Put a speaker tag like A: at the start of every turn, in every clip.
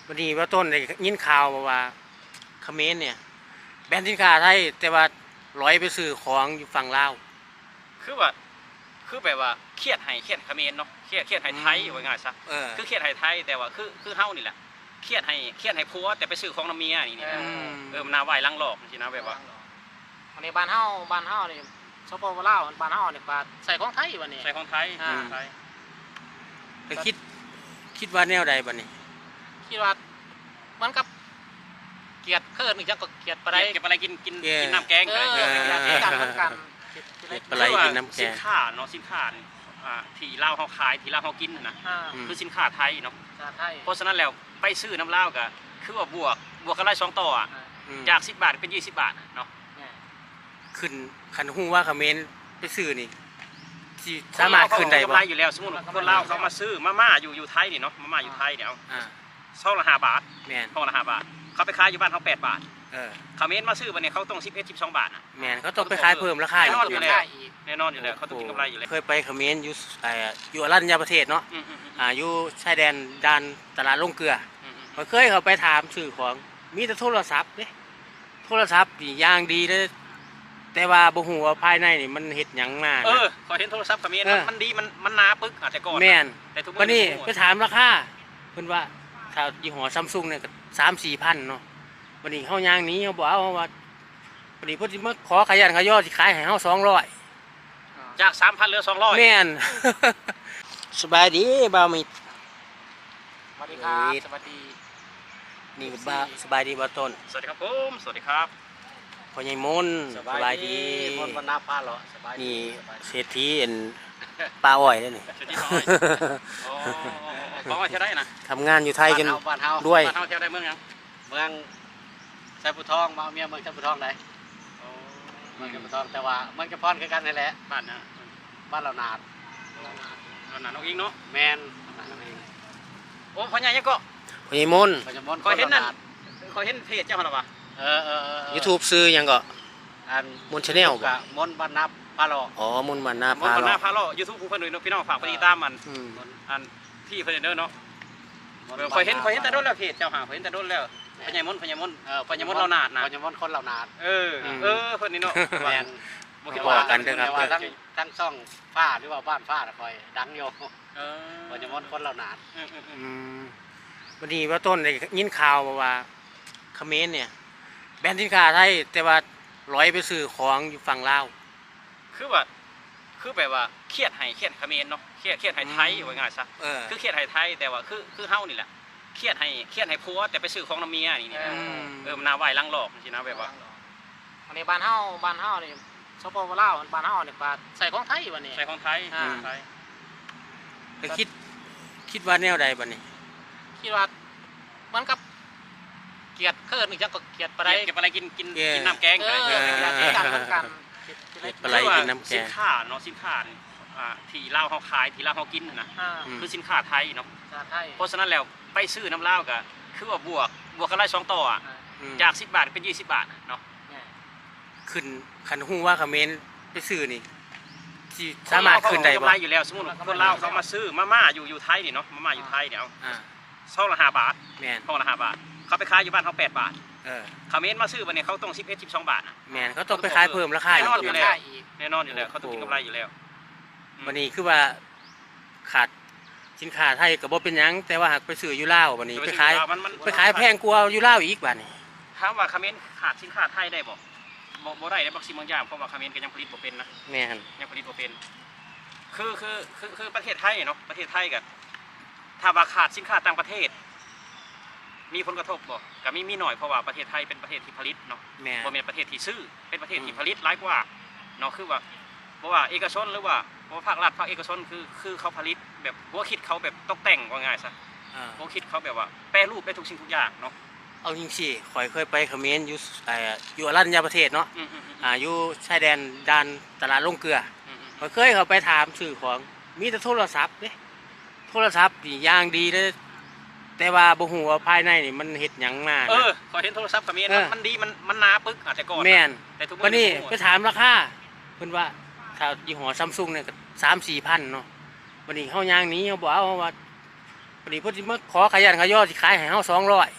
A: วันนี้ว่าต้นได้ยินข่าวมาว่าเขมรเนี่ยแบนสินค้าไทยแต่ว่าร้อยไปซื้อของอยู่ฝั่งลาว
B: คือว่าคือแบบว่าเครียดให้เขมรเนาะเครียดให้ไทยว่าง่ายซะคือเครียดให้ไทยแต่ว่าคือเฮานี่แหละเครียดให้ผัวแต่ไปซื้อของน้ำเมียนี่นะมันน่าไหวลังหลอกจริงๆนะแบบว่า
C: อันนี้บ้านเฮานี่สปปลาวบ้านเฮานี่ก็ใส่ของไทยวันนี้
B: ใส่ของไทย
A: แต่คิดว่าแนวใดบัดนี้
C: คิดว่ามันกับเกียดเคิร์นอีกจังก็เกียดปลาไหล
B: เก็บอะไรกินน้ำแกง
C: กันเหมือนกัน
A: ปลาไหลกินน้ำแกง
B: สินค้าเนาะสินค้าที่ลาวเฮาขายที่ลาวเฮากินนะคือสินค้าไทยเนาะเพราะฉะนั้นแล้วไปซื้อน้ำลาวก็คือว่าบวกกันไล่2 ต่อจาก10 บาทเป็น20 บาทเนาะ
A: ขึ้นคันหู้ว่าเขมรไปซื้อนี่ที่สามารถขึ้นได้บ่
B: อยู่แล้วสมมุติคนลาวเขามาซื้อมาม่าอยู่ไทยนี่เนาะมาม่าอยู่ไทยเนี่ยซองละ5 บาท
A: แม่น
B: ซองละ5 บาทเขาไปขายอยู่บ้านเขา8 บาทเขมรมาซื้อวันนี้เขาต้อง11-12 บาท
A: แม่นเขาต้องไปขายเพิ่มราคา
B: แน่นอนอยู่แล้วแน่นอนอยู่แล้วเขาต้องกินกำไรอยู่แล้ว
A: เคยไปเขมรอยู่อรัญญประเทศเนาะอยู่ชายแดนด่านตลาดลงเกลือเคยเขาไปถามซื้อของมีแต่โทรศัพท์เด้โทรศัพท์นี่อย่างดีเลยแต่ว่าบ่ฮู้ว่าภายในนี่มันเฮ็ดหยังมา
B: ขอเห็นโทรศัพท์เขมรมันดีมันหนาปึกแต่ก่อน
A: แม่นแต่ทุกวันนี้ไปถามราคาเพิ่นว่าถ้ายี่ห้อ Samsung เนี่ยก็ 3-4 พันเนาะวันนี้เฮาย่างนี้เฮาบ่เอาว่าวันนี้เพิ่นสิมาขอขยันขยอสิขายให้เฮา200
B: จาก 3,000 เหลือ 200
A: แม่น สบายดีบ่าวมิตร
C: สวัสดีครับสวัสดี
A: นี่บ่าวสบายดีบ่าวต้น
B: สวัสดีครับผมสวัสดีครับ
A: พ่อใหญ่มนสบายดี
C: มนบรรณาพาเหรอสบายดี
A: นี่เศรษฐีปลาอ้อยเด้นี่
B: เศรษฐีปลาอ้อยปลาอ้อยเท่าได้นะ
A: ทำงานอยู่ไทยจนด้วย
B: บ้านเฮาเท่าได้เมืองยัง
C: เมืองไซบุทองมาเมียเมืองไซบุทองได้เมืองไซบุทองแต่ว่าเมืองกระพรคือกันนั่นแหละ
B: บ้านนะ
C: บ้านเรานาด
B: น้องอิงเนาะ
C: แมน
B: โอ้พ่อใหญ่ยังก็
A: พ่อใหญ่มน
B: คอยเห็นนั่นคอยเห็นเพจเจ้าหรอวะ
A: YouTube ซื้อยังก็มนชาแนล
C: บ่มนบรรณาพาโล
A: อ๋อมนบรรณา
B: พาโล YouTube ผู้เพิ่นด้วยพี่น้องฝากไปติดตามมันอันที่เพิ่นเด้อเนาะคอยเห็นแต่โดนแล้วเพจเจ้าหาคอยเห็นแต่โดนแล้วพ่อใหญ่มนเรานาดนะ
C: พ่อใหญ่มนคนเรานาด
B: เพิ่นนี่เนาะ
C: แม่น
A: บ่คิดว่ากันเด้อครับ
C: ทั้งช่องฟ้าหรือว่าบ้านฟ้าคอยดังอยู่พ่อใหญ่มนคนเรานาด
A: วันนี้ว่าต้นได้ยินข่าวมาว่าเขมรเนี่ยแบนสินค้าไทยแต่ว่าร้อยไปซื้อของอยู่ฝั่งลาว
B: คือแบบว่าเครียดให้เขมรเนาะเครียดให้ไทยว่าง่ายซะคือเครียดให้ไทยแต่ว่าคือเฮานี่แหละเครียดให้ผัวแต่ไปซื้อของน้ำเมียนี่มันน่าไหวลังหลอกจริงๆนะแบบว่า
C: อันนี้บ้านเฮานี่สปปลาวบ้านเฮานี่ก็ใส่ของไทยวันนี้
B: ใส่ของไทย
A: แต่คิดว่าแนวใดบัดนี้
C: คิดว่ามันกับเกียดเคิร์นอีกจังก็เกียดปลาไหล
B: เก็บอะไรกินน้ำแกง
C: กันเหมือนกัน
A: ปลาไหลกินน้ำแกง
B: สินค้าเนาะสินค้าที่ลาวเฮาขายที่ลาวเฮากินนะคือสินค้าไทยเนาะเพราะฉะนั้นแล้วไปซื้อน้ำลาวก็คือว่าบวกกันไล่2 ต่อจาก10 บาทเป็น20 บาทเนาะ
A: ขึ้นคันหู้ว่าเขมรไปซื้อนี่ที่สามารถขึ้นได้บ่
B: อยู่แล้วสมมุติคนลาวเขามาซื้อมาม่าอยู่ไทยนี่เนาะมาม่าอยู่ไทยเนี่ยซองละ5 บาท
A: แม่น
B: ซองละ5 บาทเขาไปขายอยู่บ้านเขา8 บาทเขมรมาซื้อวันนี้เขาต้อง11-12 บาท
A: แม่นเขาต้องไปขายเพิ่มราคา
B: แน่นอนอยู่แล้วแน่นอนอยู่แล้วเขาต้องกินกำไรอยู่แล้ว
A: วันนี้คือว่าขาดสินค้าไทยก็บ่เป็นหยังแต่ว่าหากไปซื้ออยู่ลาววันนี้ไปขายแพงกว่าอยู่ลาวอีกบัดนี้
B: ถามว่าเขมรขาดสินค้าไทยได้บ่ได้บางสิ่งบางอย่างเพราะว่าเขมรก็ยังผลิตบ่เป็นนะ
A: แม่น
B: ยังผลิตบ่เป็นคือประเทศไทยเนาะประเทศไทยก็ถ้าว่าขาดสินค้าต่างประเทศมีผลกระทบบ่ก็มีหน่อยเพราะว่าประเทศไทยเป็นประเทศที่ผลิตเนาะบ่เป็นประเทศที่ซื้อเป็นประเทศที่ผลิตหลายกว่าเนาะคือว่าเพราะว่าเอกชนหรือว่าภาครัฐภาคเอกชนคือเขาผลิตแบบหัวคิดเขาแบบตกแต่งว่าง่ายซะหัวคิดเขาแบบว่าแปรรูปได้ทุกสิ่งทุกอย่างเนาะ
A: เอาจริงสิข่อยเคยไปเขมรอยู่อรัญญประเทศเนาะอยู่ชายแดนด่านตลาดลงเกลือข่อยเคยเขาไปถามซื้อของมีแต่โทรศัพท์เด้โทรศัพท์นี่อย่างดีเลยแต่ว่าบ่ฮู้ว่าภายในนี่มันเฮ็ดหยังมา
B: ขอเห็นโทรศัพท์เขมรมันดีมันหนาปึกแต่ก่อน
A: แม่นแต่ทุกวันนี้ไปถามราคาเพิ่นว่าถ้ายี่ห้อ Samsung เนี่ยก็ 3-4 พันเนาะวันนี้เฮาย่างนี้เฮาบ่เอาว่าพอดีเพิ่นสิมาขอขยันขย่อสิขายให้เฮา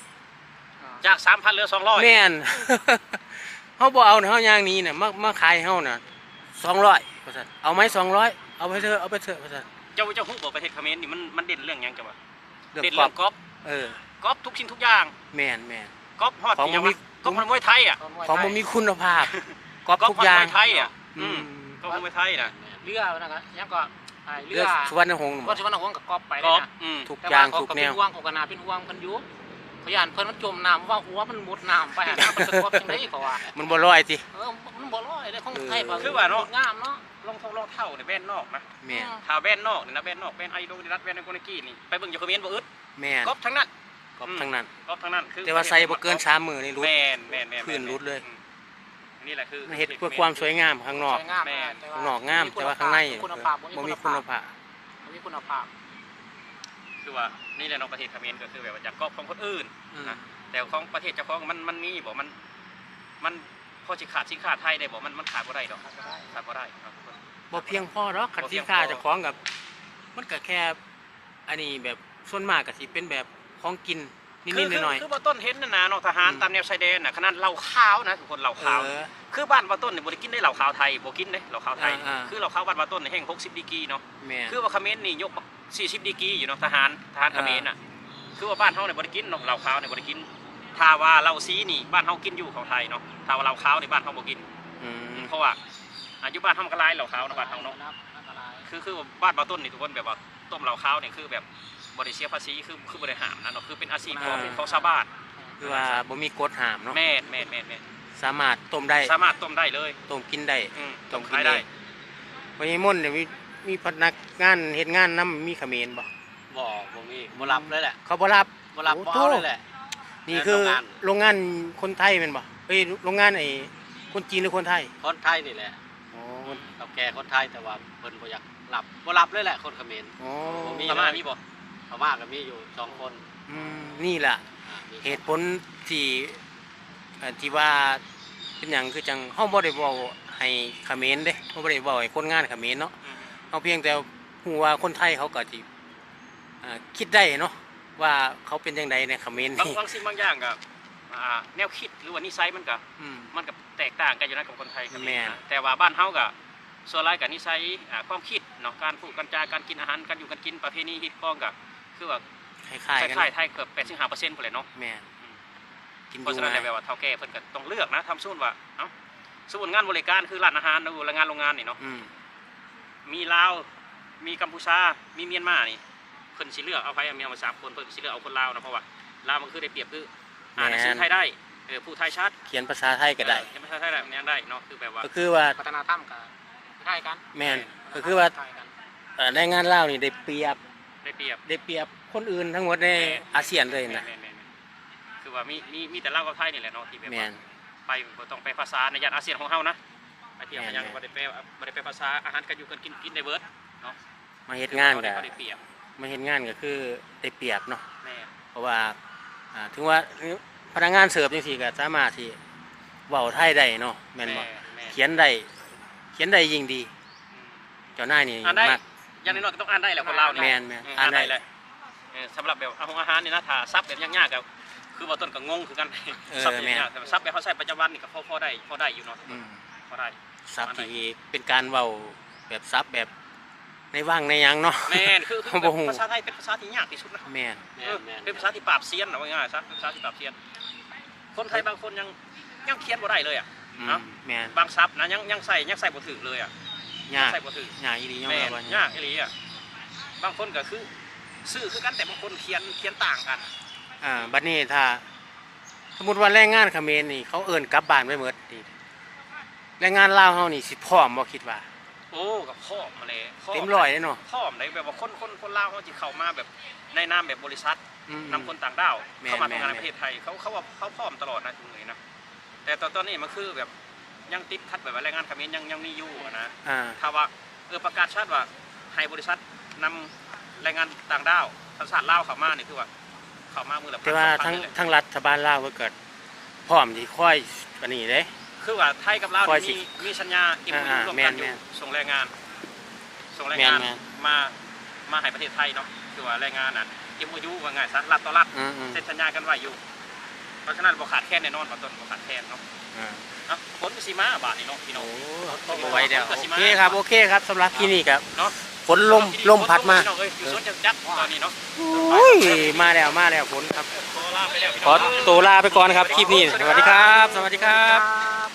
A: 200
B: จาก 3,000เหลือ200
A: แม่น เฮาบ่เอาเฮาย่างนี้น่ะมาขายให้เฮาน่ะ200ว่าซั่นเอาไหม200เอาไปเถอะว่าซั่น
B: เจ้าฮู้บ่ประเทศเขมรนี่มันเด่นเรื่องหยังจังวะ
A: เรื่อง
B: เด่น
A: ครอ
B: เรื่
A: บ
B: องกอล์ฟ
A: เออ
B: กอล์ฟทุกสิ่งทุกอย่าง
A: แม่น
B: กอล์ฟฮอด
A: ของ
B: ที่ยัง
A: บ่มี
B: ว่ากอล์ฟมวยไทยอ่ะ
A: ของบ่มีคุณภาพกอบ
B: กอล์ฟ
A: ทุกอย่าง
B: มวยไทยอ่ะ
A: อืม
B: กอล์ฟมวยไทยน่ะ
C: เรือนะครับยังก็เรื
A: เลื
C: อ
A: อสุวรรณหงษ์
C: ก็สิวันหงกับกอบไป
B: ก
C: เล
B: อย ล์ฟ
C: นะ
A: ทุกอย่างทุกแนว
C: ห่วงของกนาเป็นห่วงเพิ่นอยู่พยานเพิ่นมันจมน้ำว่าหัวมันมุดน้ำไปหาน้ำมันสะกดจังได๋ก็ว่า
A: มันบ่ลอยติ
C: มันบ่ลอยได้ของไทย
B: คือว่าเนาะ
C: งามเนาะ
B: รองเท้าเนี่ยแบรนด์นอกนะ
A: แม่น
B: ถ้าแบรนด์นอกนี่นะแบรนด์นอกแบรนด์ไอโดนิรัตแบรนด์ไอโกนิกี้นี่ไปเบิ่งอยู่เขมรบ่อึด
A: แม่น
B: กอล์ฟทั้งนั้น
A: กอบทั้งนั้น
B: กอล์ฟทั้งนั้นคือ
A: แต่ว่าใส่บ่เกิน3มื้อนี่รู้
B: แม่น
A: พื้นรุดเลย
B: นี่แหละคือ
A: มันเฮ็ดเพื่อความสวยงามข้างนอก
C: สวยงาม
A: ข้างนอกงามแต่ว่าข้างใน
C: คุณภาพ
A: บ่มีคุณภาพ
C: บ่มีคุณภาพ
B: คือว่านี่แหละเนาะประเทศเขมรก็คือแบบว่าจากกอล์ฟของคนอื่น
A: อืม
B: นะแต่ของประเทศเจ้าของมันมีบ่มันพอสิขาดสินค้าไทยได้บ่มันขาดบ่ได้ดอกขาดบ่ได้ครับ
A: บ่เพียงพอหรอกคัน
B: บ่เพี
A: สิ
B: ยงพอ
A: นค้าเจ้าของกับมันก็แค่อันนี้แบบส่วนมากก็สิเป็นแบบของกินนิดๆหน่อย
B: คือบ่ต้นเห็นน่ะนะเนาะทหารตามแนวชายแดนน่ะขนาดเหล้าขาวนะทุกคนเหล้า
A: ๆเอ
B: ขาว
A: อ
B: คือบ้านบ่ต้นนี่บ่ได้กินได้เหล้าขาวไทยบ่กินเด้เหล้าขาวไทย
A: อ่า
B: คือเหล้าขาวบ้านบ่ต้นนี่แห้ง60ดีกรีเนาะ
A: แม่น
B: คือว่าเขมรนี่ยกมา40ดีกรีอยู่เนาะทหารเขมรน่ะคือว่าบ้านเฮาเนี่ยบ่ได้กินเนาะเหล้าขาวเนี่ยบ่ได้กินถ้าว่าเหล้าสีนี่บ้านเฮากินอยู่ของไทยเนาะถ้าว่าเหล้าขาวนี่บ้านเฮาบ่กิน
A: อืม
B: เพราะว่าอายุบ้านเฮามันก็หลายเหล้าขาวเนาะบ้านเฮาเนาะ
C: อันตราย
B: คือบ้านบ่ต้นนี่ทุกคนแบบว่าต้มเหล้าขาวนี่คือแบบบ่ได้เสียภาษีคือบ่ได้ห้ามนะเนาะคือเป็นอาชีพของชาวบ้าน
A: คือว่าบ่มีกฎห้ามเนาะ
B: แม่น
A: สามารถต้มได้
B: สามารถต้มได้เลย
A: ต้มกินได้
B: ต้มขายได้
A: วันนี้มนต์เนี่ยมีพนักงานเฮ็ดงานนำมีเขมรบ่
C: บ่มีบ่รับเลยแหละ
A: เขาบ่รับ
C: บ่รับ
A: โอ้
C: บ่
A: โธ่
C: เอาเลยแหละ
A: นี่คือ
C: โรงงาน
A: โรงงานคนไทยแม่นบ่เอ้ยโรงงานไอ้คนจีนหรือคนไทย
C: คนไทยนี่แหละ
A: อ๋อ
C: เราแก่คนไทยแต่ว่าเพิ่นบ่อยากรับบ่รับเลยแหละคนเขมร
A: อ๋อ
C: บ่มี
B: พม่ามีบ่
C: พม่าก็มีอยู่2คน
A: นี่ล่ะ
C: มี
A: เหตุผลที่ที่ว่าเป็นหยังคือจังเฮาบ่ได้เว้าให้เขมรเด้เฮาบ่ได้เว้าให้คนงานเขมรเนาะเฮาเพียงแต่ฮู้ว่าคนไทยเขาก็สิคิดได้เนาะว่าเขาเป็นจังไดในเขมรนี่
B: บางสิ่งบางอย่างก็แนวคิดหรือว่านิสัยมันก็
A: อืม
B: มันก็แตกต่างกันอยู่นะกับคนไทยกับ
A: แม่น
B: นะแต่ว่าบ้านเฮาก็ส่วนหลายกับนิสัยความคิดเนาะการพูดการจาการกินอาหารการอยู่การกินประเพณีฮิตพ้องก็คือว่า
A: คล้าย
B: ค
A: ๆกัน
B: ล้ายๆไทยเกือบ85%พุ่นแหละเนาะ
A: แม่นกิน
B: เพ
A: ดู
B: ราะฉะนั้น
A: ง่าย
B: แบบว่าเฒ่าแก่เพิ่นก็ต้องเลือกนะทำสู้ว่าเอ้าสู้งานบริการคือร้านอาหารหรือว่างานโรงงานนี่เนาะ
A: อืม
B: มีลาวมีกัมพูชามีเมียนมานี่เพิ่นสิเลือกเอาไผเอาเมียมา3คนเพิ่นสิเลือกเอาคนลาวนะเพราะว่าลาวมันคือได้เปรียบคืออ่านหนังสือไทยได้ผู้ไทยชัด
A: เขียนภาษาไทยก็ได้
B: เขียนภาษาไทยได้มันยังได้เนาะคือแบบว่า
A: ก็คือว่า
C: พัฒนาธรรมก็คล้ายกัน
A: แม่นก็คือว่า
C: คล้ายกัน
A: แรงงานลาวนี่ได้เปรียบ
B: ได้เปรียบ
A: ได้เปรียบคนอื่นทั้งหมดในอาเซียนเลยนะ
B: แม่นคือว่ามีแต่ลาวกับไทยนี่แหละเนาะที่แบบ
A: แม่
B: ว่าน ไปบ่ต้องไปภาษาในย่านอาเซียนของเฮานะไปเที่ยวกันยัง
A: แม่น
B: บ่ได้ไปภาษาอาหารกันอยู่กันกินได้เบิดเนาะ
A: มาเฮ็ดงานก็
B: เขาได้เปรียบ
A: มาเฮ็ดงานก็คือได้เปรียบเนาะ
B: แม่น
A: เพราะว่าถึงว่าพนักงานเสิร์ฟจังซี่ก็สามารถที่เว้าไทยได้เนาะแม่นบ่
B: แม่น
A: เขียนได้ยิ่งดี เจ้านายนี่
B: อ่านได้
A: มัก
B: อย่างน้อยๆก็ต้องอ่านได้แหละคนลาวนี่
A: แม่นๆ
B: อ่านได้
A: อ่านได้
B: เลยสำหรับแบบอาหารนี่นะถ้าซับแบบยากๆก็คือว่าต้นก็งงคือกัน ซับแบบยากแต่ซับแบบเขาใช้ประจำวันนี่ก็พอได้อยู่เนาะ
A: อืม
B: พอได้
A: ศัพท์ที่เป็นการเว้าแบบศัพท์แบบในว่างในหยังเนาะ
B: แม่นคือ
A: เขาบ่ฮู้
B: ภาษาไทยเป็นภาษาที่ยากที่สุดนะ
A: แม่น
C: แม่นแม่น
B: เป็นภาษาที่ปราบเซียนนะว่าง่ายๆซะเป็นภาษาที่ปราบเซียน คนไทยบางคนยังเขียนบ่ได้เลยอ่ะ
A: อืม
B: เอ้า
A: แม่น
B: บางศัพท์นะยังใส่บ่ถึงเลยอ่ะ
A: ยาก
B: ใส่บ่ถึง
A: ยากอีหลียอม
B: แม่
A: รับ
B: น
A: ว่าย
B: ากอีหลีอ่ะบางคนก็คือซื่อคือกันแต่บางคนเขียนต่างกัน
A: บัดนี้ถ้าสมมุติว่าแรงงานเขมรนี่เขาเอิ้นกลับบ้านไว้หมดนี่แรงงานลาวเฮานี่สิพร้อมบ่คิดว่า
B: โอ้กับพ่อมาเลย
A: เต็มร้อยเลยเนาะ
B: พ่อมเลยแบบว่าคนลาวเขาจะเข้ามาแบบในนามแบบบริษัท
A: อืม
B: นำคนต่างด้าว
A: แม่น
B: เข้ามาทำงานใน
A: แม่น
B: ประเทศไทยเขาว่าเขาพร้อมตลอดนะทุกเลยนะแต่ตอนนี้มันคือแบบยังติดขัดแบบว่าแรงงานเขมรยังมีอยู่อะนะ
A: อ่า
B: ถ้าว่าประกาศชัดว่าให้บริษัทนำแรงงานต่างด้าวสัญชาติลาวเข้ามานี่คือว่าเข้ามามือละ
A: แต่ว่า
B: พัน
A: ทั้ง
B: นี่แหละ
A: ทั้งรัฐบาลลาวก็เกิดพร้อมที่ค่อยอันนี้เด้
B: คือว่าไทยกับลาว
A: คอยสิ
B: มีสัญญาอิมพู
A: อ่า
B: ร่วม
A: แม่
B: กัน
A: น
B: อยู่
A: แม่น
B: ส่งแรงงาน
A: แม่น
B: มาให้ประเทศไทยเนาะคือว่าแรงงานน่ะ MOU ว่าไงซะรัฐต่อรัฐ
A: อืม
B: เซ็นสัญญากันไว้อยู่เพราะฉะนั้นบ่ขาดแคลนแน่นอนบ่ต้นบ่ขาดแคลนเนาะ เอ้าฝนก็สิมาบาดนี่เนาะพี่น้
A: โอ้
B: อง
A: ต้องเอาไว้เดี๋ยว
B: ฝนก็สิ
A: โอ
B: มา
A: เคครับโอเคครับสำหรับที่นี่ครับ
B: เนาะ
A: ฝนลมพัดมา
B: พี่น้องเอ้ยอยู่สวนจักรตอนนี้เนาะ
A: โอ้ยมาแล้วฝนครับ
B: ขอลาไปแล้วพี่
A: ข
B: น้
A: อ
B: อง
A: ตัวลาไปก่อนครับคลิปนี้สวัสดีครับ สวัสดีครับ
C: ครับ